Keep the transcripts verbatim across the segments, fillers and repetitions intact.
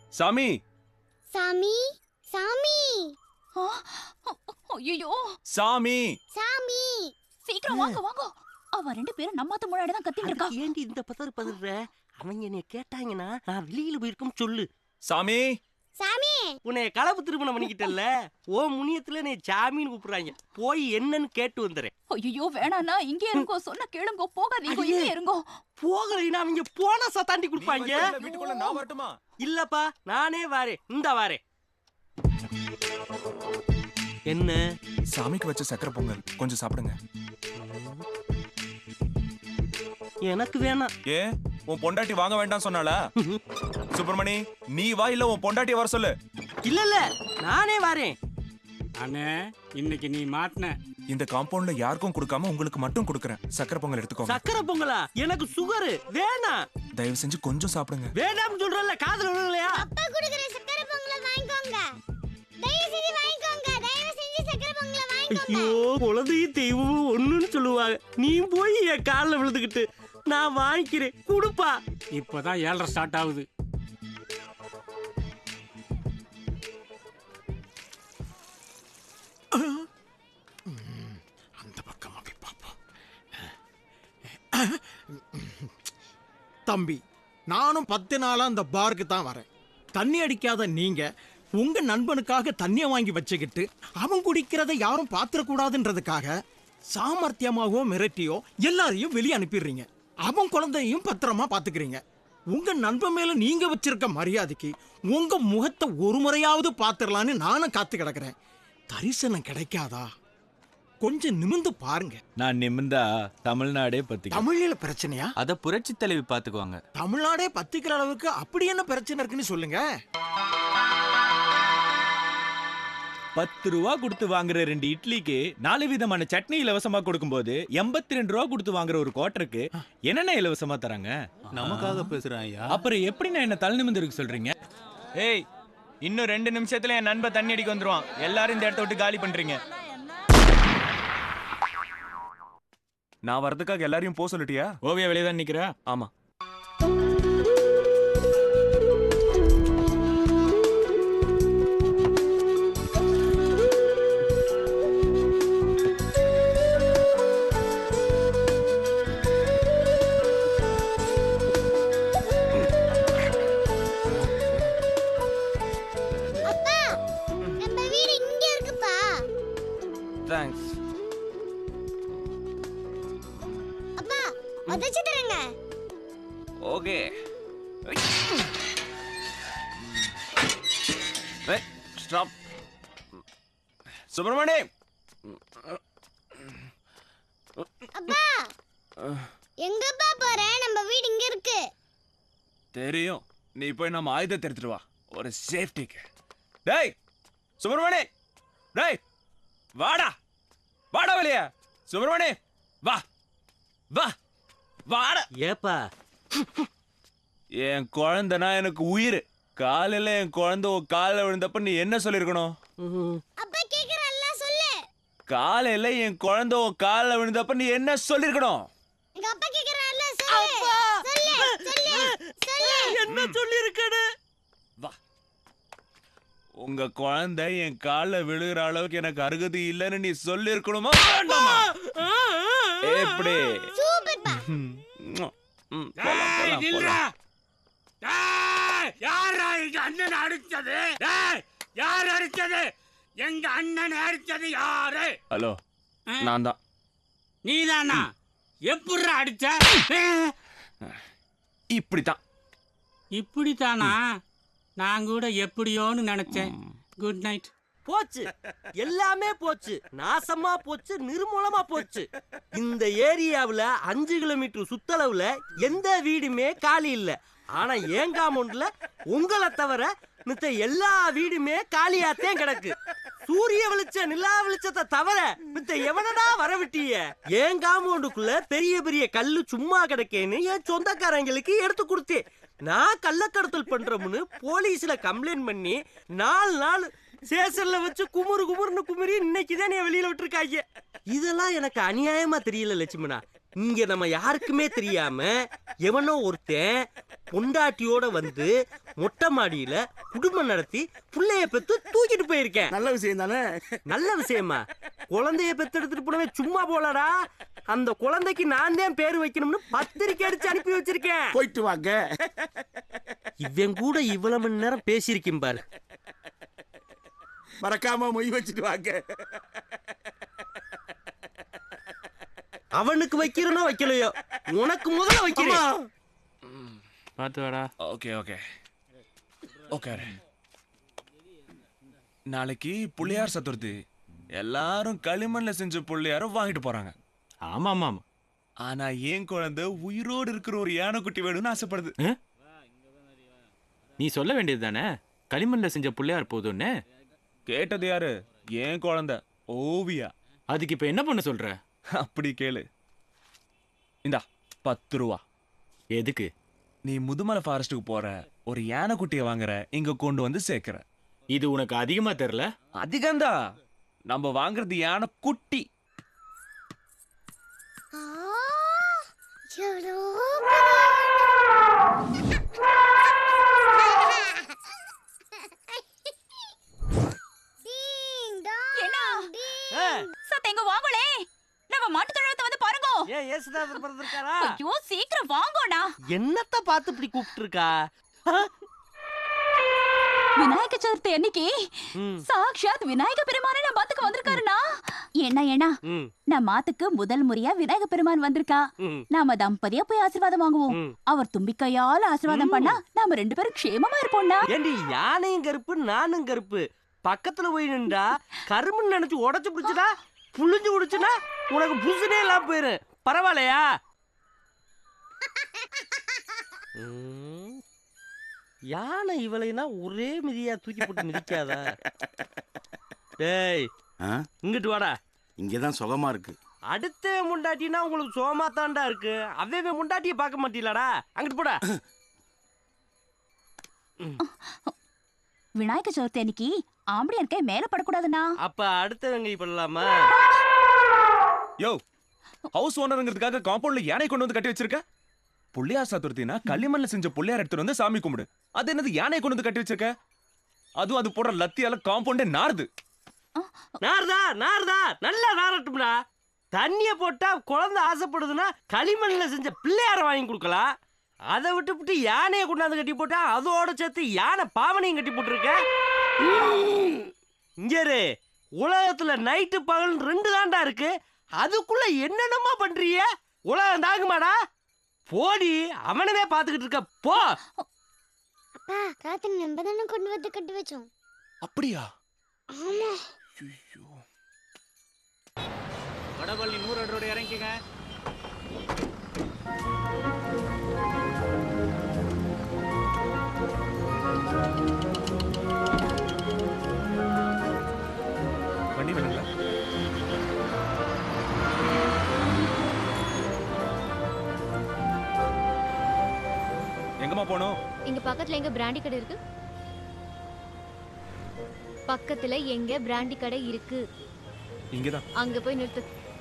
சாமி சாமி சாமி ஐயோ சாமி சாமி சீக்கிரம் வாங்க வாங்க. அவ ரெண்டு பேரும் நம்மாத்த முன்னாடி தான் கத்திட்டு இருக்கா. ஏண்டி இந்த பதறு பதற? அவங்க என்னைய கேட்டாங்கன்னா நான் வெளியில போயிருக்கும் சொல்லு. சாமி சாமி உன்னை கலப்பு திருமணம் பண்ணிக்கிட்டல்ல, ஓ முனியத்துல நீ சாமின்னு கூப்பிடுறாங்க. போய் என்னன்னு கேட்டு வந்துடுறேன். ஐயோ வேணாண்ணா, இங்கே இருங்கோ. சொன்ன கேளுங்கோ, போகாதீங்க, இங்கே இருங்கோ. போகலைன்னா அவங்க போனா சத்தாண்டி கொடுப்பாங்க. வீட்டுக்குள்ள நான் வரட்டுமா? இல்லப்பா, நானே வாரேன். இந்த வாரேன். என்ன சாமிக்கு வச்ச சக்கரை பொங்கல் கொஞ்சம் சாப்பிடுங்க. எனக்கு வேணாம். ஏ உன் பொண்டாட்டி வாங்க வேண்டாம் சொன்னால? சுப்பிரமணி நீ வா, இல்ல உன் பொண்டாட்டி வர சொல்லு. இல்ல இல்ல நானே வாரேன். அண்ணே இன்னைக்கு நீ மாட்டின. இந்த காம்பவுண்ட்ல யாருக்கும் கொடுக்காம உங்களுக்கு மட்டும் கொடுக்கறேன். சக்கரை பொங்கல் எடுத்துக்கோங்க. சக்கரை பொங்கலா? எனக்கு சுகர் வேணாம். தயவு செஞ்சு கொஞ்சம் சாப்பிடுங்க. வேண்டாம்னு சொல்றல, காதுல விழுகலையா? அப்பா குடுக்குற சக்கரை பொங்கலை வாங்கிக்கோங்க. தயவு செஞ்சு வாங்கிக்கோங்க. தயவு செஞ்சு சக்கரை பொங்கலை வாங்கிக்கோங்க. ஐயோ, குலதையும் தெய்வமும் ஒண்ணுன்னு சொல்லுவாங்க. நீ போய் என் காலில் விழுந்துக்கிட்டு நான் வாங்கிக்கிறேன் குடுப்பா. இப்பதான் ஏழரை ஸ்டார்ட் ஆகுது. அந்த பக்கமா போய் பார்ப்போம். தம்பி, நானும் பத்து நாளா அந்த பாருக்கு தான் வரேன். தண்ணி அடிக்காத நீங்க உங்க நண்பனுக்காக தண்ணியை வாங்கி வச்சுக்கிட்டு அவன் குடிக்கிறத யாரும் பாத்திரக்கூடாதுன்றதுக்காக சாமர்த்தியமாகவோ மிரட்டியோ எல்லாரையும் வெளியே அனுப்பிடுறீங்க. அவன் குழந்தையும் பத்திரமா பாத்துக்கிறீங்க. உங்க நண்பன் மேல நீங்க வச்சிருக்க மரியாதைக்கு உங்க முகத்தை ஒரு முறையாவது பாத்துடலான்னு நானும் காத்து கிடக்குறேன். தரிசனம் கிடைக்காதா? கொஞ்சம் நிமிந்து பாருங்க. நான் நிமிந்தா தமிழ்நாடே பத்தி. தமிழ்ல பிரச்சனையா? அத புரட்சி தலைவி பாத்துக்குவாங்க. தமிழ்நாடே பத்திக்கிற அளவுக்கு அப்படி என்ன பிரச்சனை இருக்குன்னு சொல்லுங்க. பத்து ரூபா கொடுத்து வாங்குற ரெண்டு இட்லிக்கு நாலு விதமான சட்னி இலவசமா கொடுக்கும் போது எண்பத்தி ரெண்டு ரூபா கொடுத்து வாங்குற ஒரு குவார்டருக்கு என்னென்ன இலவசமா தராங்க? நமக்காக பேசுறாங்க. அப்புறம் எப்படி நான் என்ன தலை நிமிந்து இருக்கு சொல்றீங்க? ஏய், இன்னும் ரெண்டு நிமிஷத்துல என் நண்பன் தண்ணி அடிக்க வந்துருவான். எல்லாரும் இந்த இடத்த விட்டு காலி பண்றீங்க. நான் வரதுக்காக எல்லாரையும் போக சொல்லிட்டியா? ஓவியா வெளியே தான் நிக்கிறா. ஆமா. தேங்க்ஸ். அப்பா, உதச்சி தரங்க. ஓகே. ஏய், ஸ்டாப். சுப்பிரமணி. அப்பா, எங்கப்பா போற? நம்ம வீடு இங்க இருக்கு. தெரியும். நீ போய் நம்ம ஆயுதத்தை எடுத்துட்டு வா, ஒரு சேஃப்டிக்கு. டேய் சுப்பிரமணி, டேய் வாடா, வாடா வெளிய. சுப்பிரமணி வா வா வாடா. ஏப்பா, என் குழந்தைனா எனக்கு உயிர். காலையில என் குழந்தை உன் காலில் விழுந்தப்ப நீ என்ன சொல்லிருக்கணும்? அப்பா கேக்குறல்ல, சொல்லு. காலையில என் குழந்தை உன் காலில் விழுந்தப்ப நீ என்ன சொல்லிருக்கணும்? எங்க அப்பா கேக்குறல்ல, சொல்லு. சொல்லு சொல்லு சொல்லு. என்ன சொல்லிருக்கனே? வா. உங்க குழந்தை என் காலில் விழுகிற அளவுக்கு எனக்கு அருகதை இல்லைன்னு நீ சொல்லிருக்கணுமா? எப்படி? சூப்பர்ப்பா. யாரா எங்க அண்ணன் அடிச்சது? யார் அடிச்சது? எங்க அண்ணன் அடிச்சது யாரு? ஹலோ, நான் தான். நீதானா? எப்படி அடிச்ச? இப்படித்தான். இப்படித்தானா? நான் கூட எப்படியோன்னு நினைச்சேன். Good night. போச்சு, எல்லாமே போச்சு, நாசமா போச்சு, நிர்மூலமா போச்சு. இந்த ஏரியாவுல அஞ்சு கிலோமீட்டர் சுத்தளவுல எந்த வீடுமே காலி இல்ல. ஆனா ஏன் காம்பவுண்ட்ல உங்களை தவிர மித்த எல்லா வீடுமே காலியாத்தான் கிடக்கு. சூரிய வெளிச்ச நிலா வெளிச்சத்தை தவிர மித்த எவனடா வரவிட்டிய? ஏன் காம்பவுண்டுக்குள்ள பெரிய பெரிய கல்லு சும்மா கிடக்கேன்னு என் சொந்தக்காரங்களுக்கு எடுத்து கொடுத்தேன். நான் கள்ளக்கடத்தல் பண்றோம்னு போலீஸ்ல கம்ப்ளைண்ட் பண்ணி நாலு நாள் சேசல்ல வச்சு குமுறு குமுறுன்னு குமுறி இன்னைக்குதான் நீ வெளியில விட்டுருக்காங்க. இதெல்லாம் எனக்கு அநியாயமா தெரியல லட்சுமணா. இங்க நம்ம யாருக்குமே தெரியாம எவனோ ஒருத்தன் பொண்டாட்டியோட வந்து மொட்டை மாடியில குடும்பம் நடத்தி புள்ளைய பெத்து தூக்கிட்டு போயிருக்கேன். நல்ல விஷயம் தானே? நல்ல விஷயமா? குழந்தைய பெத்து எடுத்துட்டு போனவே சும்மா போலடா. அந்த குழந்தைக்கு நான் தான் பேரு வைக்கணும்னு பத்திரிக்கை அடிச்சு அனுப்பி வச்சிருக்கேன். போயிட்டு வாங்க. இவன் கூட இவ்வளவு மணி நேரம் பேசியிருக்கேன் பாரு. மறக்காம மொய் வச்சுட்டு வாங்க. அவனுக்கு வைக்கிறனோ வைக்கலையோ, உனக்கு முதல்ல வைக்கிறேன். பாத்து வாடா. Okay okay okay. நாளைக்கு புள்ளியார் சதுர்த்தி. எல்லாரும் களிமண்ல செஞ்ச புள்ளியார வாங்கிட்டு போறாங்க. ஆமா ஆமா ஆமா. ஆனா என் குழந்தை உயிரோடு இருக்கிற ஒரு யானைக்குட்டி வேணும்னு ஆசைப்படுது. நீ சொல்ல வேண்டியது தானே, களிமண்ல செஞ்ச புள்ளையார் போதும்னு. கேட்டது யாரு? என் குழந்தை ஓவியா. அதுக்கு இப்ப என்ன பண்ண சொல்ற? அப்படி கேளு. இந்தா பத்து ரூபா. எதுக்கு? நீ முதுமலை ஃபாரஸ்ட்டுக்கு போற, ஒரு யானைக்குட்டியை வாங்குற, இங்க கொண்டு வந்து சேர்க்கிற. இது உனக்கு அதிகமா தெரியல? அதிகந்தா. நம்ம வாங்குறது யானை குட்டி. ஆ, எவ்வளோ டீங் டாங், என்ன? டீங். சத்த எங்க வாங்கலே, நம்ம மாட்டு தொழுவத்தை வந்து பாருங்க. ஏன் ஏசுதாசர் பிறந்திருக்காரா? ஐயோ சீக்கிரம் வாங்கோடா. என்னத்த பார்த்து இப்படி கூப்பிட்டு இருக்கா? விநாயக சதுர்த்தி அன்னைக்கு ம். சாக்ஷாத் விநாயக பெருமானே நம்ம மாத்துக்கு வந்திருக்காருனா. என்ன ஏனா ம், நம்ம மாத்துக்கு முதல் முறையா விநாயக பெருமான் வந்திருக்கா. ம். நாம தம்பதியா போய் ஆசீர்வாதம் வாங்குவோம். ம். அவர் தும்பிக்கையால ஆசீர்வாதம் பண்ணா நாம ரெண்டு பேரும் க்ஷேமமா இருப்போம்டா. ஏண்டி யானையும் கருப்பு நானும் கருப்பு பக்கத்துல போய் நின்றா கரும்புன்னு நினைச்சு உடைச்சு பிடிச்சடா புளிஞ்சு குடிச்சுனா உனக்கு புசுனே எல்லாம் போயிரு. பரவாயில்லையா? ம். யானை இவளைனா ஒரே மிதியா தூக்கி போட்டு மிதிக்காதா? டேய் ஆ? இங்கிட்டு வாடா. இங்கதான் சுகமா இருக்கு. அடுத்த முண்டாட்டினா உங்களுக்கு சோமா தாண்டா இருக்கு. அவே முண்டாட்டிய பார்க்க மாட்டீங்களாடா? அங்கிட்டு போடா. விநாயக சதுர்த்தி அன்னைக்கு ஆம்படியார் கை மேல படக்கூடாதுண்ணா. அப்ப அடுத்தவங்க பண்ணலாமா? யோ, ஹவுஸ் ஓனருங்கிறதுக்காக காம்பவுண்ட்ல யானை கொண்டு வந்து கட்டி வச்சிருக்க. புள்ளியார் சதுர்த்தினா களிமண்ல செஞ்ச புள்ளியார் எடுத்துட்டு வந்து சாமி கும்பிடு. அது என்னது யானை கொண்டு வந்து கட்டி வச்சிருக்க? அதுவும் அது போடுற லத்தியால காம்பவுண்டே நாறுது. நார்தா நார்தா நல்லா நாரட்டும்டா. தண்ணிய போட்டா குழந்தை ஆசைப்படுதுன்னா களிமண்ல செஞ்ச பிள்ளையார வாங்கி கொடுக்கலாம். அதை விட்டு விட்டு யானையை கொண்டாந்து கட்டி போட்டா அதோட சேர்த்து யானை பாவனையும் கட்டி போட்டுருக்க. இங்கரு உலகத்துல நைட்டு பகல் ரெண்டு தாண்டா இருக்கு. அதுக்குள்ள என்னென்னமா பண்றீங்க? உலகம் தாங்குமாடா? போடி, அவனவே பாத்துக்கிட்டு இருக்க போ. அப்பா, ராத்திரி நம்ம தானே கொண்டு வந்து கட்டி வச்சோம். அப்படியா? ஆமா. ஐயோ. வடபள்ளி நூறு அடி ரோடு இறங்கிக்கங்க. வண்டி வேணுங்களா? எங்கம்மா போனோம்? இங்க பக்கத்துல எங்க பிராண்டி கடை இருக்கு? பக்கத்துல எங்க பிராண்டி கடை இருக்கு? இங்கதான். அங்க போய் நிறுத்து.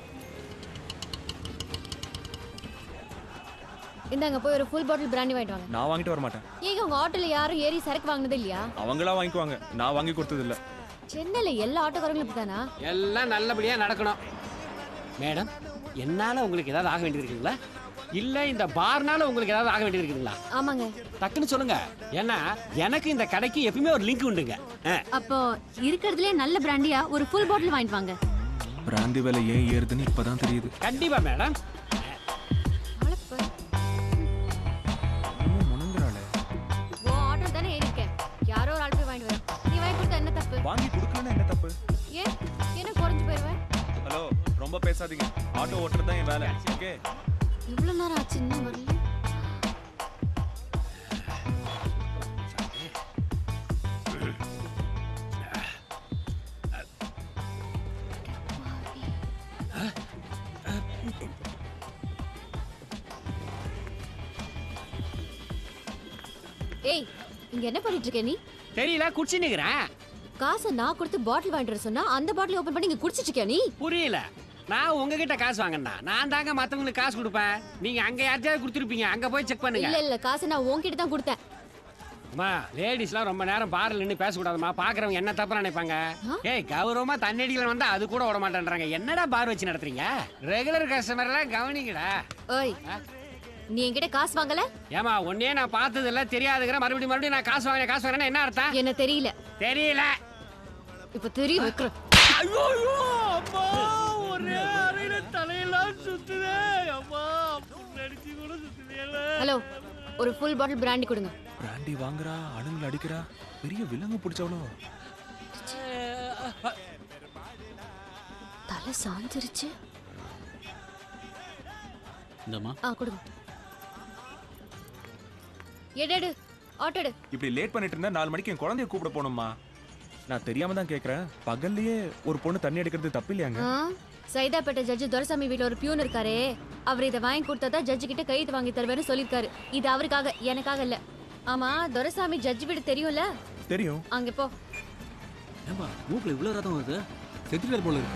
இந்தாங்க போய் ஒரு ஃபுல் பாட்டில் பிராண்டி வாங்கிட்டு வாங்க. நான் வாங்கிட்டு வர மாட்டேன். ஏங்க உங்க ஆட்டோல யாரும் ஏறி சரக்கு வாங்குனது இல்லையா? அவங்களா வாங்கிக்குவாங்க, நான் வாங்கி கொடுத்தது இல்ல. சென்னையில எல்லா ஆட்டோக்காரங்களும் இப்படிதானா? எல்லாம் நல்லபடியா நடக்கணும். மேடம், என்னால உங்களுக்கு ஏதாவது ஆக வேண்டியது இருக்குங்களா? இல்ல இந்த பார்னால உங்களுக்கு ஏதாவது ஆக வேண்டியது இருக்குங்களா? ஆமாங்க. டக்குன்னு சொல்லுங்க. ஏன்னா எனக்கு இந்த கடைக்கு எப்பவுமே ஒரு லிங்க் உண்டுங்க. அப்போ இருக்கிறதுலே நல்ல பிராண்டியா ஒரு ஃபுல் பாட்டில் வாங்கிட்டு வாங்க. பிராந்தி விலை ஏன் ஏறுதுன்னு இப்பதான் தெரியுது. கண்டிப்பா மேடம். முனங்குறாளே. ஓ ஆட்டோ தானே ஏறி இருக்கேன். யாரோ ஒரு ஆள் போய் வாங்கிட்டு வர. நீ வாங்கி கொடுத்தா என்ன தப்பு? வாங்கி கொடுக்கலன்னா என்ன தப்பு? ஏன் என்ன குறைஞ்சு போயிருவேன்? ஹலோ, ரொம்ப பேசாதீங்க. ஆட்டோ ஓட்டுறது தான் என் வேலை. ஓகே? இவ்வளவு நேரம் ஆச்சு இன்னும் வரல. ஏய், இங்க என்ன பண்ணிட்டு இருக்க நீ? தெரியல, குடிச்சு நிக்கிறேன். காசை நான் கொடுத்து பாட்டில் வாங்கிட்டு வர சொன்னா அந்த பாட்டில் ஓபன் பண்ணி இங்க குடிச்சிட்டு இருக்கியா நீ? புரியல. நான் உங்ககிட்ட காசு வாங்கினா நான் தாங்க மத்தவங்களுக்கு காசு கொடுப்பேன். நீங்க அங்க யார்ட்டையாவது கொடுத்துருப்பீங்க. அங்க போய் செக் பண்ணுங்க. இல்ல இல்ல காசு நான் உன்கிட்ட தான் கொடுத்தேன். அம்மா லேடிஸ்லாம் ரொம்ப நேரம் பார்ல நின்று பேசக்கூடாதுமா. பாக்குறவங்க என்ன தப்பா நினைப்பாங்க. ஏய் கௌரவமா தண்ணடியில வந்தா அது கூட விட மாட்டேன்றாங்க. என்னடா பார் வச்சு நடத்துறீங்க? ரெகுலர் கஸ்டமர் எல்லாம் கவனிங்கடா. ஓய் நீ என்கிட்ட காசு வாங்கல? ஏமா ஒன்னே நான் பார்த்தது இல்ல தெரியாதுங்கிற மறுபடியும் மறுபடியும் நான் காசு வாங்கினேன் காசு வாங்கினேன் என்ன அர்த்தம்? என்ன தெரியல. தெரியல. இப்ப தெரிய வைக்கிறேன். ஐயோ அம்மா ஒரே அறையில தலையெல்லாம் சுத்துதே. அம்மா நடிச்சு கூட சுத்துதேல. ஹலோ ஒரு ஃபுல் பாட்டில் பிராண்டி கொடுங்க. பிராண்டி வாங்குறா, அணுங்களை அடிக்கிறா, பெரிய விலங்கு பிடிச்சவளோ. தலை சாஞ்சிருச்சு. இந்தம்மா ஆ கொடுங்க. எடு ஆட்டோ எடு. இப்படி லேட் பண்ணிட்டு இருந்தா நாலு மணிக்கு என் குழந்தைய கூப்பிட போகணுமா? நான் தெரியாம தான் கேக்குறேன். பகல்லையே ஒரு பொண்ணு தண்ணி அடிக்கிறது தப்பு இல்லையாங்க? ஆ, சைதாப்பேட்டை ஜட்ஜ் துரைசாமி வீட்ல ஒரு பியூன் இருக்காரே, அவர் இதை வாங்கி கொடுத்தா ஜட்ஜு கிட்ட கையெழுத்து வாங்கி தருவேன்னு சொல்லிருக்காரு. இது அவருக்காக, எனக்காக இல்ல. ஆமா துரைசாமி ஜட்ஜ் வீடு தெரியும்ல? தெரியும். அங்க போ. ஏம்பா மூக்குல இவ்வளவு ரத்தம் வருது. செத்துட்டார் போல இருக்கு.